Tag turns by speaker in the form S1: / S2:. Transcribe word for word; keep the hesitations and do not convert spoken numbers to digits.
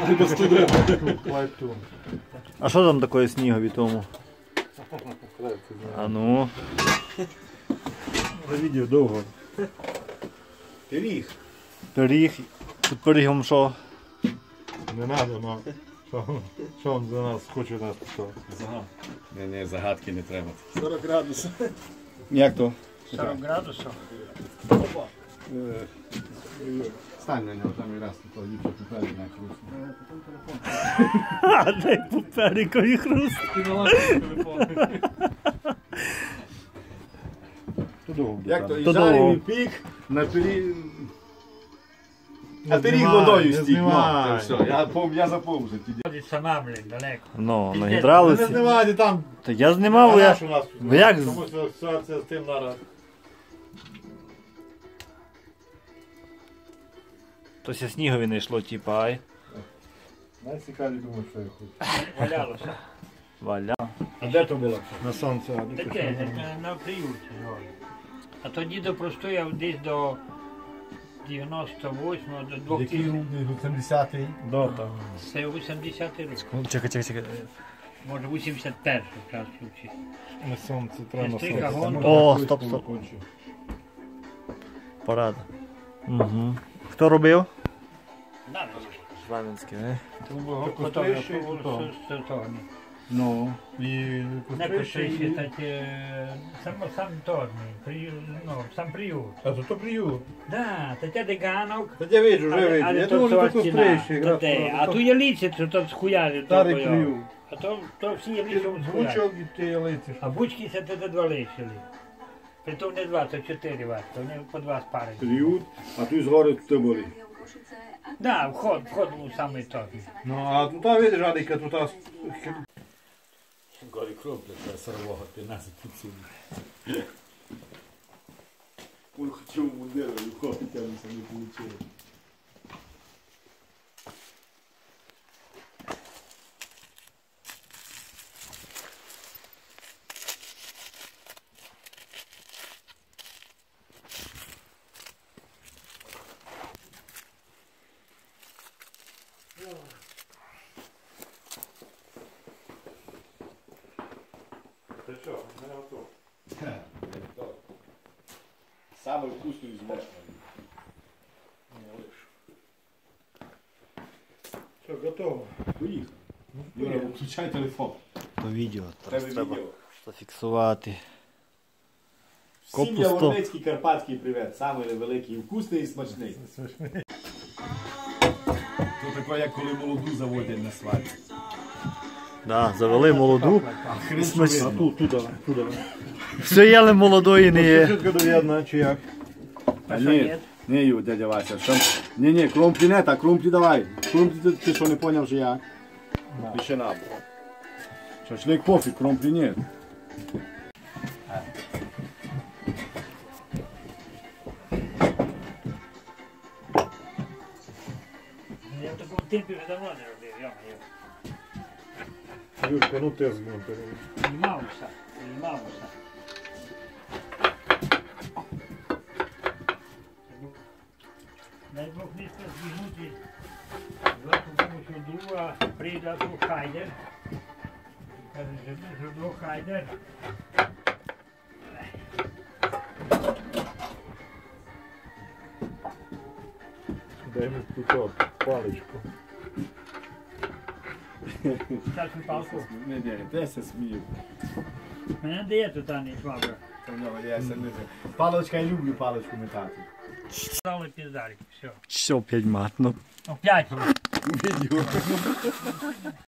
S1: А що там таке снігові тому? А ну.
S2: За відео довго. Пиріг.
S1: Пиріг. Тут пирігом що?
S2: Не треба, но що він за нас хоче нас поставити?
S3: Не, не, загадки не треба.
S2: сорок градусів.
S1: Як то?
S4: сорок градусів.
S3: Стань на нього, там і раз тут ліпше поперед на хруст.
S1: А, дай поперекові хруст.
S3: Як то, і
S1: То
S3: жарив,
S1: довго.
S3: і пік, на пиріг... А пиріг водою стік, ну, це все, я, пом- я запомнив ті
S4: Ходить сама, блін, далеко.
S1: Ну, на
S2: Не
S1: гідравлиці.
S2: знімайте там.
S1: Та я знімав, я...
S2: у нас.
S1: Ви як з-
S2: Тому що ситуація з тим зараз.
S1: Тось снігові не йшло, типа, ай.
S2: Найцікаві думаю, що я хочу.
S4: Валялося.
S1: Валя.
S2: А де то було? На сонце. а де
S4: Таке, на- на приюті. А тоді до простояв десь до дев'яносто восьмого, до
S2: Який
S4: двохтисячного.
S2: рік? вісімдесятий? Да, там.
S4: Це вісімдесятий рік.
S1: Чекай, чекай, чекай.
S4: Може вісімдесят перший час включити.
S2: На сонце, треба на
S4: Стрій
S2: сонце.
S4: кагон.
S2: Там
S1: О,
S2: можна
S1: стоп,
S2: швидко
S1: стоп.
S2: кончити.
S1: Порада. Угу. Хто робив?
S4: Да,
S1: Славянський, не?
S2: Кострищий, то. Ну, і
S4: Не
S2: Кострищий,
S4: пиши,
S2: і...
S4: так, сам, сам торний, приют, ну, сам приют.
S2: А то то приют.
S4: Да, та те де ганок.
S2: Та я виджу, вже виджу. Я думаю, що то Кострищий.
S4: Та те, а ту ялиці, то то схуяли.
S2: Старий
S4: то,
S2: приют.
S4: А то, то всі ялиці схуяли.
S2: Звучок і ти ялиці.
S4: А бучки це те два лишили. Притом не два, це чотири вас, то вони по два спари.
S3: Приют, а тут згори тут були.
S4: Да, вход, вход був самий торний.
S2: Ну, а тут видиш, Адика, тут...
S3: Горі кроплять, а сорвого п'ятнадцять підсунув. Он хотів мундиру, і входить, а не вийшло.
S2: Ти що, мене готово.
S3: Саме вкусний з мошкою.
S2: Що, готово?
S3: Поїхав. Юра, включай телефон.
S1: То відео. Зараз
S3: Тебе
S1: треба
S3: відео.
S1: зафіксувати.
S3: Всім
S1: Копусто.
S3: яворницький карпатський привіт. Самий великий, вкусний і смачний. Тут таке, як коли молоду заводять на свадьбу.
S1: Да, завели молоду.
S3: Хрен що
S1: Смачно.
S2: А
S3: видно.
S2: тут, туди, туди.
S1: Все єли молодої не є.
S2: Чітко довідно, чи як?
S3: А ні, ні, Ю, дядя Вася. Що? Ні, ні, кромплі не так, кромплі давай. Кромплі ти, ти що не поняв, що як? Пише надо. Шашлик пофіг, кромплі ні.
S4: Я в такому темпі вже давно не робив, йо-моє.
S2: Юрка, ну ти згнув.
S4: Знімався, знімався. Дай Бог місце зігнути. Зверху помощу друга прийде до Хайдер. Каже, що до Хайдер.
S2: Дай мені тут паличку.
S4: Часу палку.
S3: Ні, ні, де се смію.
S4: Мене дає тут Ані швабра.
S3: Та в нього я се не знаю. Паличка, я люблю паличку метати.
S4: Стали піздарик, все.
S1: Що, п'ять матно.
S4: Ну, п'ять.
S3: Відео.